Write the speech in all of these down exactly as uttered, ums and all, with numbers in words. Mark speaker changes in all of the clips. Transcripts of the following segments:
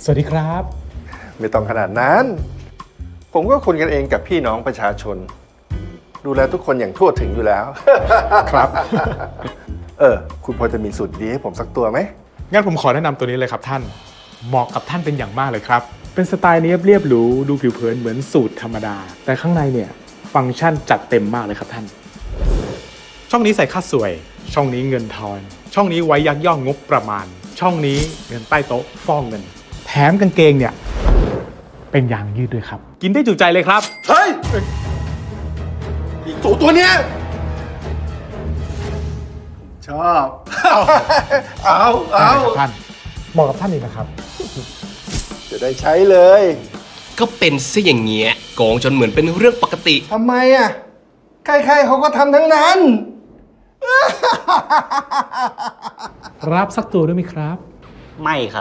Speaker 1: สวัสดีครับ
Speaker 2: ไม่ต้องขนาดนั้น ผมก็คนกันเองกับพี่น้องประชาชน ดูแลทุกคนอย่างทั่วถึงอยู่แล้ว
Speaker 1: ครับ
Speaker 2: เออ คุณพอจะมีสูตรดีให้ผมสักตัวไหม
Speaker 1: งั้นผมขอแนะนำตัวนี้เลยครับท่าน เหมาะกับท่านเป็นอย่างมากเลยครับ เป็นสไตล์เนียบเรียบหรูดูผิวเผินเหมือนสูตรธรรมดา แต่ข้างในเนี่ยฟังก์ชันจัดเต็มมากเลยครับท่าน ช่องนี้ใส่ค่าสวย ช่องนี้เงินทอน ช่องนี้ไว้ยักย่องงบประมาณ ช่องนี้เงินใต้โต๊ะฟ้องเงิน แถมกางเกงเนี่ยเป็นยางยืดด้วยครับ กินได้จุใจเลยครับ
Speaker 2: เฮ้ย อีกตัวตัวเนี้ยชอบ เอาเอา
Speaker 1: ท่านเหมาะกับท่านเองนะครับ
Speaker 2: จะได้ใช้เลย
Speaker 3: ก็เป็นซะอย่างเงี้ยโกงจนเหมือนเป็นเรื่องปกติ
Speaker 2: ทำไมอ่ะ ใครๆเขาก็ทำทั้งนั้น
Speaker 1: รับสักตัวด้วยไหมครับ
Speaker 4: ไม่ครับ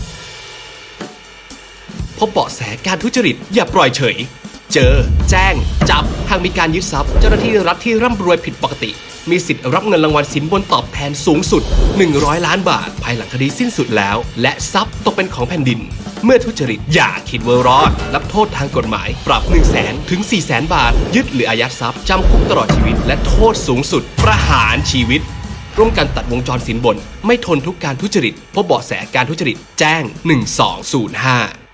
Speaker 3: พบเบาะแสการทุจริตอย่าปล่อยเฉย เจอ แจ้ง จับ หากมีการยึดทรัพย์ เจ้าหน้าที่รัฐที่ร่ำรวยผิดปกติ มีสิทธิ์รับเงินรางวัลสินบนตอบแทนสูงสุด หนึ่งร้อย ล้านบาท ภายหลังคดีสิ้นสุดแล้ว และทรัพย์ตกเป็นของแผ่นดิน เมื่อทุจริตอย่าคิดว่ารอด รับโทษทางกฎหมาย ปรับ หนึ่งแสน ถึง สี่แสน บาท ยึดหรืออายัดทรัพย์จำคุกตลอดชีวิต และโทษสูงสุด ประหารชีวิต ร่วมกันตัดวงจรสินบน ไม่ทนทุกการทุจริตพบเบาะแสการทุจริตแจ้งหนึ่งสองศูนย์ห้า